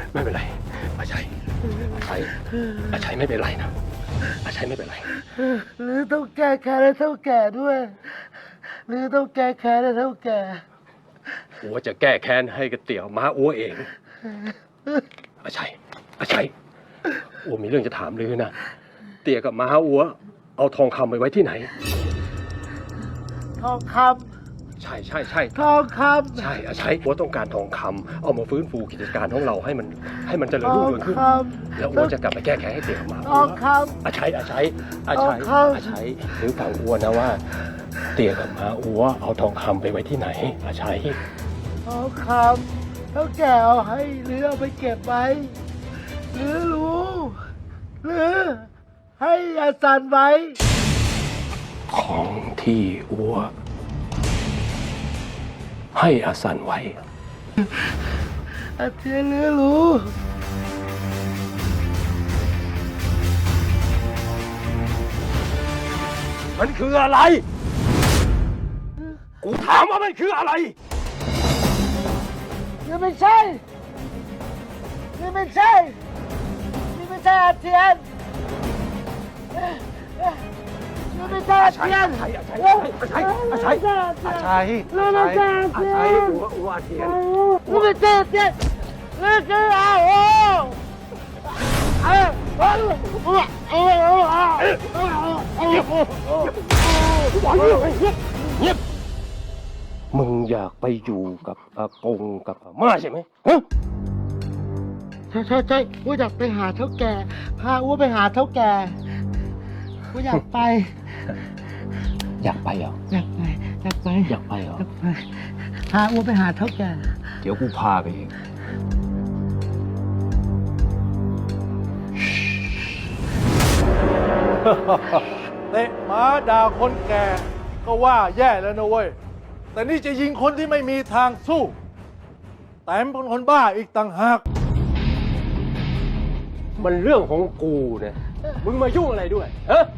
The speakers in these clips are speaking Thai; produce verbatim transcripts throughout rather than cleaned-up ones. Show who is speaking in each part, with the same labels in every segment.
Speaker 1: ไม่เป็นไรอาชัยอาชัยอาชัยไม่เป็นไรนะอาชัยไม่เป็นไร
Speaker 2: หรือต้องแก้แค้นให้เท่าแก่ด้วยหรือต้องแก้แค้นให้เท่าแก่
Speaker 1: อัวจะแก้แค้นให้กับเตี่ยวม้าอัวเองอาชัยอาชัยอัวมีเรื่องจะถามลือนะเตี่ยกับม้าอัวเอาทองคำไปไว้ที่ไหน
Speaker 2: ทองคำ
Speaker 1: ใช่ใช่ใช่
Speaker 2: ทองคำ
Speaker 1: ใช่อาชัยอัวต้องการทองคำเอามาฟื้นฟูกิจการของเราให้มันให้มันเจริญรุ่งเรืองขึ้นแล้วอัวจะกลับไปแก้แค้นให้เตี่ยกับม้าอัว
Speaker 2: ทองคำ
Speaker 1: อาชัยอาชัยอาชัยอาชัยหรือฟังอัวนะว่าเตี่ยกับม้าอัวเอาทองคำไปไว้ที่ไหนอาชัย
Speaker 2: ทองคำเท่าแก่เอาให้หรือเอาไปเก็บไว้หรือรู้หรือให้อาจารย์ไว้
Speaker 1: ของที่อัวให้อาสันไว้
Speaker 2: อาเทียนหรือรู้
Speaker 1: มันคืออะไรกูถามว่ามันคืออะไร
Speaker 2: นี่ไม่ใช่นี่ไม่ใช่นี่ไม่ใช่อาเทียนนี่ไม่ใช่อาเทียน
Speaker 1: อาชัยอาชัยอาชัยอาชัยอาชัย
Speaker 2: นี่ไม่ใช่อาเทียน
Speaker 1: อัวอัวอาเทียน
Speaker 2: นี่ไม่ใช่อาเทียนนี่คืออาโอเอ้ยเอ้ยเอ้ยเอ้ยเอ้ยเ
Speaker 1: งียบมึงอยากไปอยู่กับอากงกับอาม่าใช่ไหมฮะ
Speaker 2: ใช่ใช่ใช่ว่าอยากไปหาเท่าแก่พาอ้วไปหาเท่าแก่ว่าอยากไป
Speaker 1: อยากไปเหรอ
Speaker 2: อยากไปอยากไป
Speaker 1: อยากไปเหรอ
Speaker 2: อยากไปพาอ้วไปหาเท่าแก่
Speaker 1: เดี๋ยวกูพาไปเอง
Speaker 3: เตะหมาด่าคนแก่ก็ว่าแย่แล้วนะเว้ยแต่นี่จะยิงคนที่ไม่มีทางสู้แต่เป็นคนบ้าอีกต่างหาก
Speaker 1: มันเรื่องของกูเนี่ยมึงมายุ่งอะไรด้วยฮะ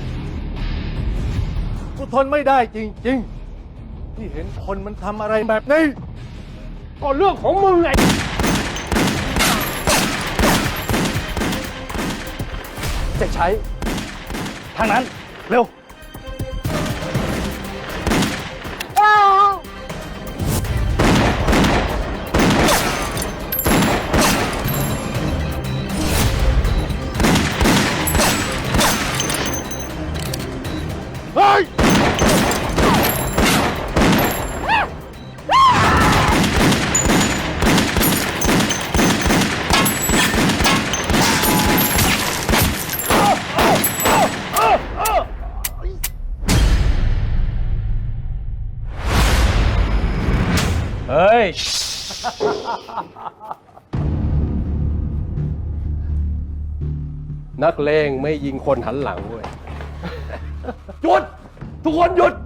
Speaker 3: กูทนไม่ได้จริงๆที่เห็นคนมันทำอะไรแบบนี้
Speaker 1: ก็เรื่องของมึงไงจะใช้ทางนั้นเร็ว
Speaker 3: เฮ้ย
Speaker 1: เฮ้ยนักเลงไม่ยิงคนหันหลังเว้ยหยุดทุกคนหยุด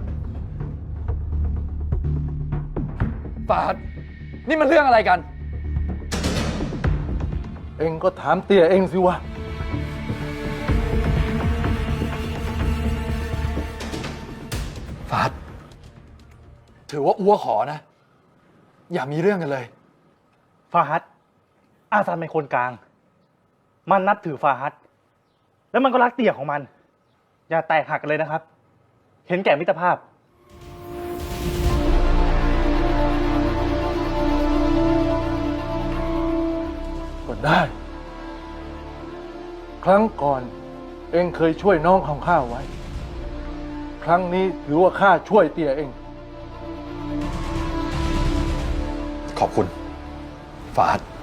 Speaker 4: ฟาดนี่มันเรื่องอะไรกัน
Speaker 3: เองก็ถามเตี่ยเองสิวะ
Speaker 4: ฟาดถือว่าอัวขอนะอย่ามีเรื่องกันเลย
Speaker 5: ฟาฮัดอาซันเป็นคนกลางมันนับถือฟาฮัดแล้วมันก็รักเตี่ยของมันอย่าแตกหักกันเลยนะครับเห็นแก่มิตรภาพ
Speaker 3: ก็ได้ ครั้งก่อนเองเคยช่วยน้องของข้าไว้ครั้งนี้ถือว่าข้าช่วยเตี่ยเอง
Speaker 4: ขอบคุณฟาด